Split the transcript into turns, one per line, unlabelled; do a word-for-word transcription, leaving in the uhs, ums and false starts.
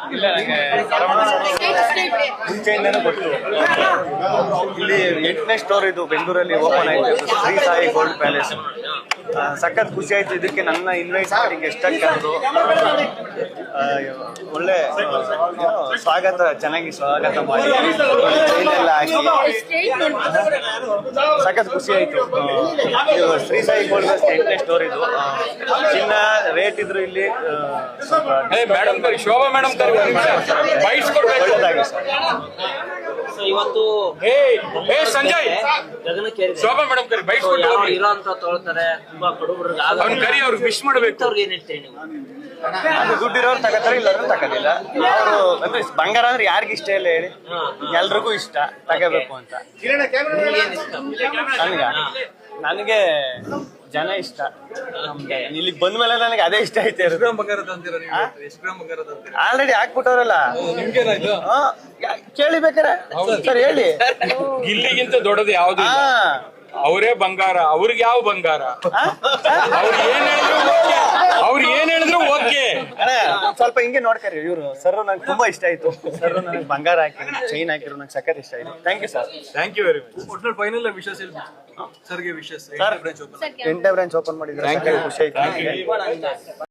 ಇಲ್ಲ ನಂಗೆ ಮುಂಚೆಯಿಂದನೂ ಗೊತ್ತು. ಇಲ್ಲಿ ಎಂಟನೇ ಸ್ಟೋರ್ ಇದು ಬೆಂಗಳೂರಲ್ಲಿ ಓಪನ್ ಆಯ್ತು, ಶ್ರೀ ಸಾಯಿ ಗೋಲ್ಡ್ ಪ್ಯಾಲೇಸ್. ಸಖತ್ ಖುಷಿ ಆಯ್ತು. ಇದಕ್ಕೆ ನನ್ನ ಇನ್ವೈಟ್ ಮಾಡಿ ಗೆಸ್ಟಾಗಿ ಕರೆದು ಒಳ್ಳೆ ಸ್ವಾಗತ, ಚೆನ್ನಾಗಿ ಸ್ವಾಗತ ಮಾಡಿ ಎಲ್ಲ ಹಾಕಿ ಸಖತ್ ಖುಷಿ ಆಯ್ತು. ಇದು ಶ್ರೀ ಸಾಯಿ ಗೋಲ್ಡ್ ಎಂಟನೇ ಸ್ಟೋರ್ ಇದು. ಚಿನ್ನ ರೇಟ್ ಇದ್ರು ಇಲ್ಲಿ
ಶೋಭಾ ಮೇಡಮ್
ಒಳ್ಳೆದಾಗಿ ಸರ್.
ಇವತ್ತು
ಸಂಜಯ್ ಶೋಭಾ ಮೇಡಮ್ ಕರಿ ಬೈಕ್
ಇರೋ ಅಂತ ತೊಳ್ತಾರೆ ತುಂಬಾ ಬಡವರಿಗೆ
ಅವ್ನ ಕರಿ ಅವ್ರಿಗೆ ವಿಶ್ ಮಾಡಬೇಕು.
ಅವ್ರಿಗೆ ಏನ್ ಹೇಳ್ತೀರಿ ನೀವು?
ಅದು ದುಡ್ಡಿರೋರು ತಗೋತಾರೆ, ಇಲ್ಲರೂ ತಗೋದಿಲ್ಲ. ಅವರು ಅಂದ್ರೆ ಬಂಗಾರ ಅಂದ್ರೆ ಯಾರಿಗ ಇಷ್ಟ ಇಲ್ಲ ಹೇಳಿ, ಎಲ್ರಿಗೂ ಇಷ್ಟ ತಗೋಬೇಕು ಅಂತ. ನನ್ಗ ನನಗೆ ಜನ ಇಷ್ಟ. ಇಲ್ಲಿಗೆ ಬಂದ್ಮೇಲೆ ನನಗೆ ಅದೇ ಇಷ್ಟ ಐತೆ. ಆಲ್ರೆಡಿ ಹಾಕ್ಬಿಟ್ಟವ್ರಲ್ಲ, ಕೇಳಿ ಬೇಕಾರೆ ಸರ್ ಹೇಳಿ.
ಗಿಲ್ಲಿಗಿಂತ ದೊಡ್ಡದು ಯಾವ್ದು? ಅವರೇ ಬಂಗಾರ, ಅವ್ರಿಗೆ ಯಾವ ಬಂಗಾರ? ಅವ್ರು ಏನ್ ಹೇಳಿದ್ರು ಅವ್ರು ಏನ್ ಹೇಳಿದ್ರು ಓಕೆ.
ಸ್ವಲ್ಪ ಹಿಂಗೆ ನೋಡ್ಕರಿ. ಇವ್ರು ಸರ್ ನಂಗೆ ತುಂಬಾ ಇಷ್ಟ ಆಯ್ತು. ಸರ್ ನನಗೆ ಬಂಗಾರ ಹಾಕಿದ್ರು, ಚೈನ್ ಹಾಕಿದ್ರು, ನಂಗೆ ಸಖತ್ ಇಷ್ಟ ಆಯ್ತು. Thank you sir.
Thank you very much.
ಒಟ್ನಲ್ಲಿ ಫೈನಲ್ ವಿಶಸ್ ಸರ್ಗೆ ವಿಶಸ್
ಎಂಟನೇ ಬ್ರಾಂಚ್ ಓಪನ್ ಮಾಡಿದ್ರೆ ಖುಷಿ ಆಯ್ತು.